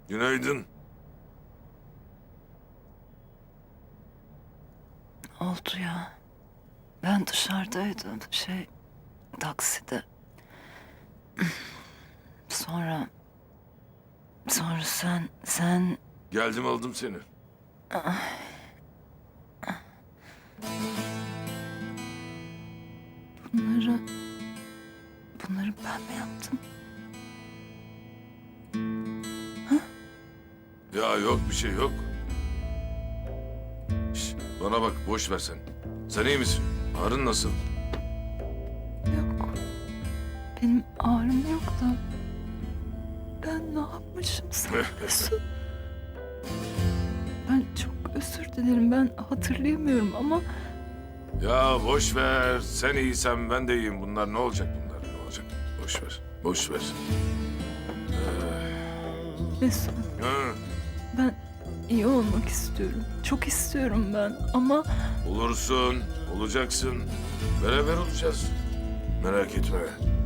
Günaydın. Oldu ya. Ben dışarıdaydım. Takside. Sonra sen Geldim aldım seni. bunları ben mi yaptım? Ya yok bir şey yok. Şş, bana bak boş ver sen. Sen iyi misin? Ağrın nasıl? Yok. Benim ağrım yok da. Ben ne yapmışım sana Mesut? Ben çok özür dilerim. Ben hatırlayamıyorum ama Ya boş ver. Sen iyisen ben de iyiyim. Bunlar ne olacak bunlar? Ne olacak? Boş ver. Boş ver. Mesut, Ha, ben iyi olmak istiyorum. Çok istiyorum ben ama olursun. Olacaksın. Beraber olacağız. Merak etme.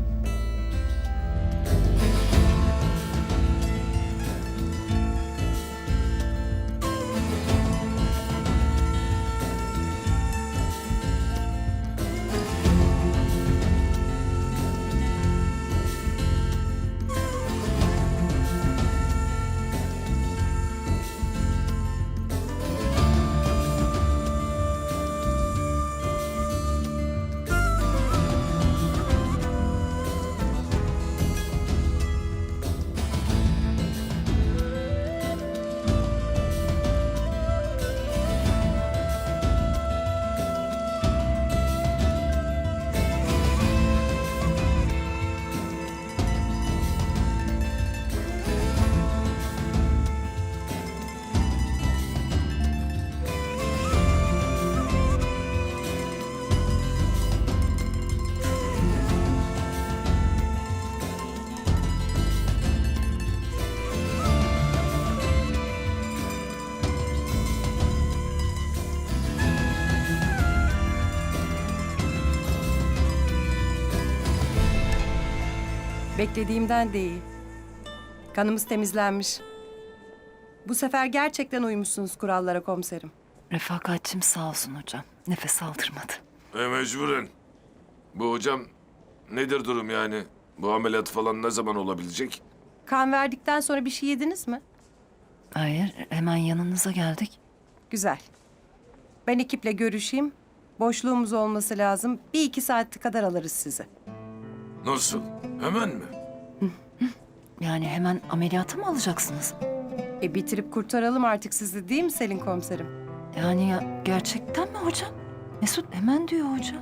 Beklediğimden de iyi. Kanımız temizlenmiş. Bu sefer gerçekten uymuşsunuz kurallara komiserim. refakatçim sağ olsun hocam. Nefes aldırmadı. Mecburen. Bu hocam nedir durum yani? Bu ameliyat falan ne zaman olabilecek? Kan verdikten sonra bir şey yediniz mi? Hayır, hemen yanınıza geldik. Güzel. Ben ekiple görüşeyim. Boşluğumuz olması lazım. 1-2 saat kadar alırız sizi. Nasıl? Hemen mi? Yani hemen ameliyata mı alacaksınız? Bitirip kurtaralım artık sizi değil mi Selin komiserim? Yani ya, gerçekten mi hocam? Mesut hemen diyor hocam.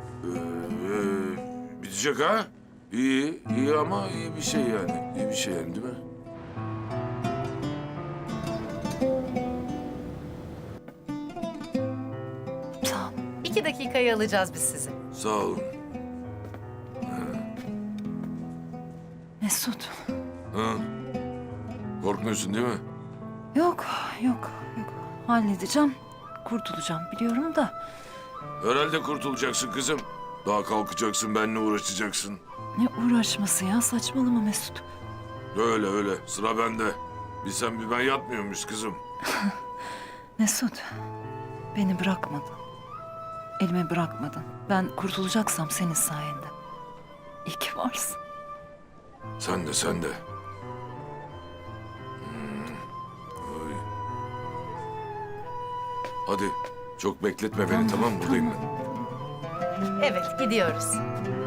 Bitecek ha? İyi, iyi ama iyi bir şey yani. İyi bir şey yani değil mi? Sağ ol. 2 dakikayı alacağız biz sizi. Sağ olun. Mesut. Ha? Korkmuyorsun değil mi? Yok. Halledeceğim. Kurtulacağım biliyorum da. Herhalde kurtulacaksın kızım. Daha kalkacaksın, benimle uğraşacaksın. Ne uğraşması ya, saçmalama Mesut. Öyle öyle, sıra bende. Bir sen bir ben yatmıyormuş kızım. Mesut, beni bırakmadın. Elime bırakmadın. Ben kurtulacaksam senin sayende. İyi ki varsın. Sen de, sen de. Oy. Hadi, çok bekletme beni tamam mı? Buradayım ben. Evet, gidiyoruz.